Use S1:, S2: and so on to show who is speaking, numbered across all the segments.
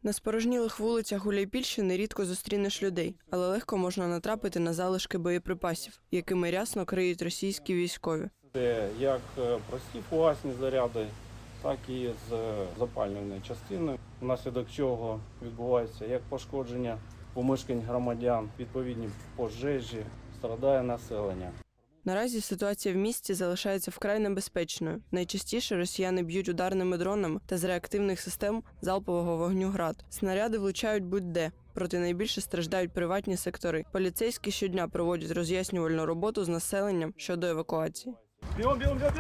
S1: На спорожнілих вулицях Гуляйпільщини рідко зустрінеш людей, але легко можна натрапити на залишки боєприпасів, якими рясно криють російські військові.
S2: Це як прості фугасні заряди, так і з запалювальної частини, внаслідок чого відбувається як пошкодження помешкань громадян, відповідні пожежі, страдає населення.
S1: Наразі ситуація в місті залишається вкрай небезпечною. Найчастіше росіяни б'ють ударними дронами та з реактивних систем залпового вогню «Град». Снаряди влучають будь-де, проте найбільше страждають приватні сектори. Поліцейські щодня проводять роз'яснювальну роботу з населенням щодо евакуації.
S3: Бігом!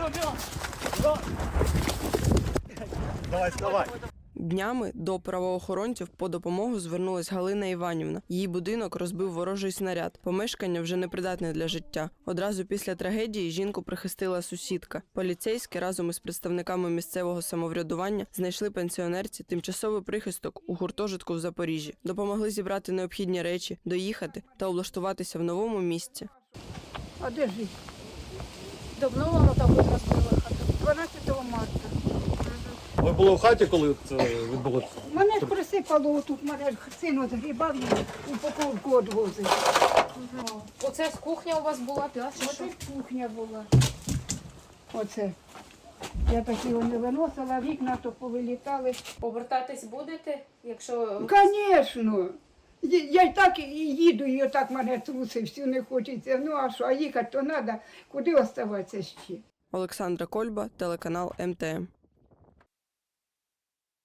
S3: Давай, вставай!
S1: Днями до правоохоронців по допомогу звернулась Галина Іванівна. Її будинок розбив ворожий снаряд. Помешкання вже непридатне для життя. Одразу після трагедії жінку прихистила сусідка. Поліцейські разом із представниками місцевого самоврядування знайшли пенсіонерці тимчасовий прихисток у гуртожитку в Запоріжжі. Допомогли зібрати необхідні речі, доїхати та облаштуватися в новому місці.
S4: А де жити? Давно воно там розбила хату? 12 марта.
S3: Ви були у хаті, коли це відбулося?
S4: Мене ж присипало отут, мене ж син згрібав і упаковку відвозив.
S5: Оце з кухня у вас була, чи що?
S4: Оце кухня була. Оце. Я такі не виносила, вікна то повилітали.
S5: Повертатись будете, якщо...
S4: Звісно. Я й так і їду, і отак мене трусить, всю не хочеться. Ну а що, а їхати то треба, куди оставатися ще?
S1: Олександра Кольба, телеканал МТМ.